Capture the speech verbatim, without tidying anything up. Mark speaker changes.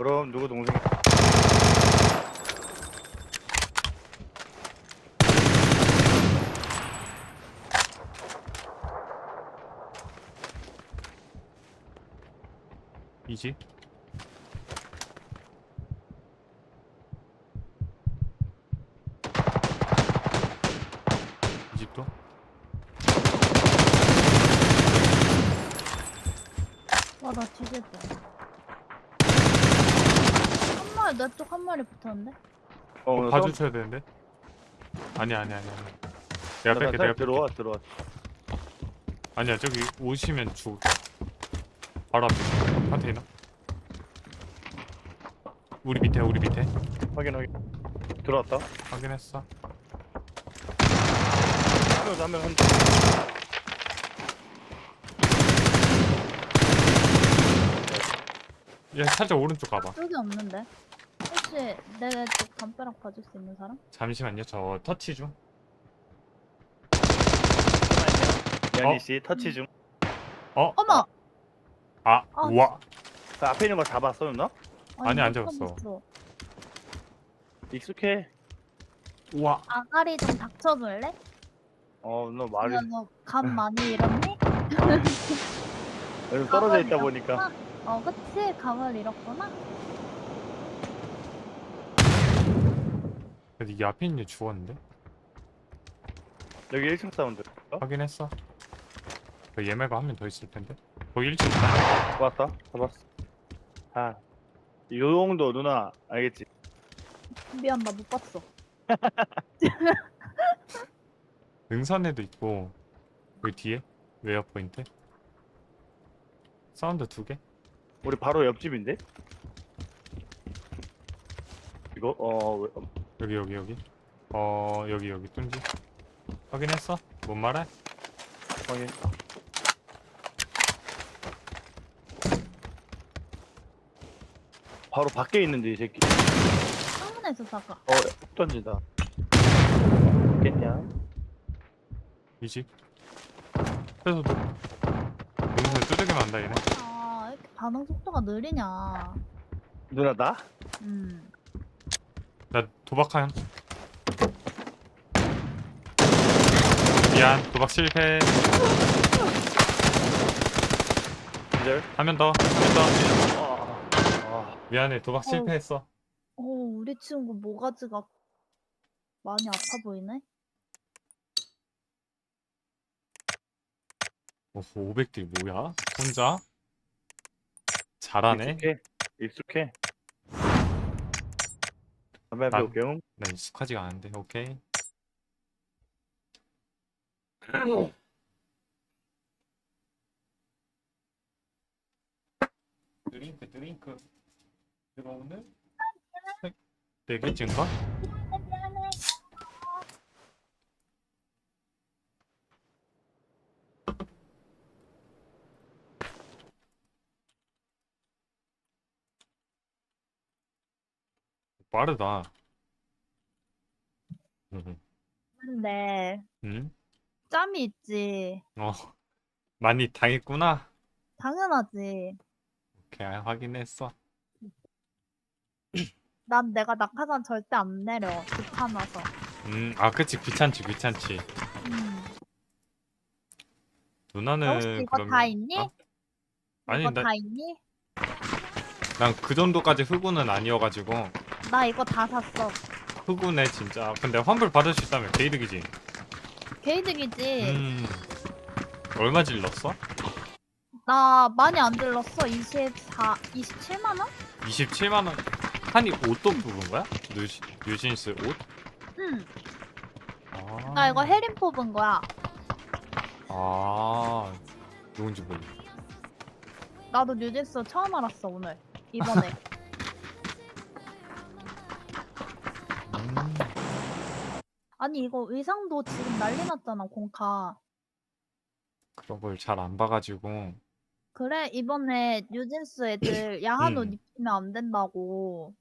Speaker 1: 그럼 누구 동생?
Speaker 2: 이지? 이 집도?
Speaker 3: 와, 나 뒤질 뻔. 한 마리, 내 쪽 한 마리 붙었는데?
Speaker 1: 어,
Speaker 2: 그거
Speaker 1: 오늘
Speaker 2: 봐주셔야 되는데? 아니 아니 아니 아니 내가 뺄게 내가 뺄게
Speaker 1: 들어와 들어와.
Speaker 2: 아니야 저기 오시면 죽을 거야 바로 앞에 컨테이너 우리 밑에 우리 밑에
Speaker 1: 확인 확인. 들어왔다.
Speaker 2: 확인했어
Speaker 1: 한명 한.
Speaker 2: 얘 살짝 오른쪽 가봐
Speaker 3: 쪽이 없는데? 혹시 내 쪽 담벼락 봐줄 수 있는 사람?
Speaker 2: 잠시만요 저 터치 중
Speaker 1: 연희
Speaker 2: 어?
Speaker 1: 씨 터치 중.
Speaker 2: 어?
Speaker 3: 어머!
Speaker 2: 아
Speaker 3: 아.
Speaker 2: 우와
Speaker 1: 그 앞에 있는 거 잡았어 누나?
Speaker 2: 아니, 안
Speaker 3: 못
Speaker 2: 잡았어.
Speaker 3: 잡았어.
Speaker 1: 익숙해.
Speaker 2: 우와
Speaker 3: 아가리 좀 닥쳐줄래?
Speaker 1: 어 누나 말이
Speaker 3: 누나 너감 많이 잃었니?
Speaker 1: 요즘 떨어져
Speaker 3: 감을
Speaker 1: 있다 보니까.
Speaker 3: 잃었구나? 어, 그치? 감을 잃었구나?
Speaker 2: 근데 이 앞에 있는 애 죽었는데?
Speaker 1: 여기 일 층 사운드. 어?
Speaker 2: 확인했어 그 얘 말고 한 명 더 있을 텐데 거기 일 층 있다
Speaker 1: 왔다. 잡았어. 아, 요 정도 누나 알겠지?
Speaker 3: 미안, 나 못 봤어.
Speaker 2: 능선에도 있고 여기 뒤에 웨어 포인트 사운드 두개
Speaker 1: 우리 바로 옆집인데? 이거 어 왜- 어,
Speaker 2: 여기 여기 여기 어 여기 여기 뚱지 확인했어? 뭔 말해?
Speaker 1: 확인. 바로 밖에 있는데 이 새끼.
Speaker 3: 창문에서 사가.
Speaker 1: 어, 훅 던진다. 겠냐?
Speaker 2: 이집 그래서 너 능선 두들기만 한다 얘네
Speaker 3: 아, 왜 이렇게 반응 속도가 느리냐.
Speaker 1: 누나 나?
Speaker 3: 음.
Speaker 2: 나 도박한 미안 도박 실패
Speaker 1: 기절.
Speaker 2: 한 명 더 한 명 더
Speaker 1: 아, 아,
Speaker 2: 미안해 도박 실패했어
Speaker 3: 어, 우리 친구 모가지가 많이 아파 보이네?
Speaker 2: 어, 오백 딜 뭐야? 혼자? 잘하네
Speaker 1: 익숙해. 익숙해. 담배 한
Speaker 2: 난-
Speaker 1: 배울게요.
Speaker 2: 나 익숙하지가 않은데 오케이 드링크 드링크 들어오는 네 개쯤가? 빠르다 응?
Speaker 3: 근데
Speaker 2: 응?
Speaker 3: 짬이 있지.
Speaker 2: 어 많이 당했구나
Speaker 3: 당연하지.
Speaker 2: 오케이 확인했어
Speaker 3: 난 내가 낙하산 절대 안 내려. 귀찮아서.
Speaker 2: 음아 그치 귀찮지 귀찮지
Speaker 3: 음. 너 혹시
Speaker 2: 누나는
Speaker 3: 이거 다
Speaker 2: 그러면
Speaker 3: 있니?
Speaker 2: 어? 아니
Speaker 3: 이거 다 있니?
Speaker 2: 난 그 정도까지 흑우는 아니어가지고
Speaker 3: 나 이거 다 샀어.
Speaker 2: 흑우네 진짜 근데 환불 받을 수 있다면 개이득이지
Speaker 3: 개이득이지.
Speaker 2: 음 얼마 질렀어?
Speaker 3: 나 많이 안 들렀어. 이십사, 이십칠만 원?
Speaker 2: 이십칠만 원 한이 옷도 뽑은 거야? 뉴시, 뉴진스 옷?
Speaker 3: 응.
Speaker 2: 아,
Speaker 3: 나 이거 해림 뽑은 거야.
Speaker 2: 아 누군지 몰라
Speaker 3: 나도 뉴진스 처음 알았어, 오늘. 이번에.
Speaker 2: 음,
Speaker 3: 아니, 이거 의상도 지금 난리 났잖아, 공카.
Speaker 2: 그런 걸 잘 안 봐가지고
Speaker 3: 그래, 이번에 뉴진스 애들 야한 옷
Speaker 2: 음.
Speaker 3: 입히면 안 된다고.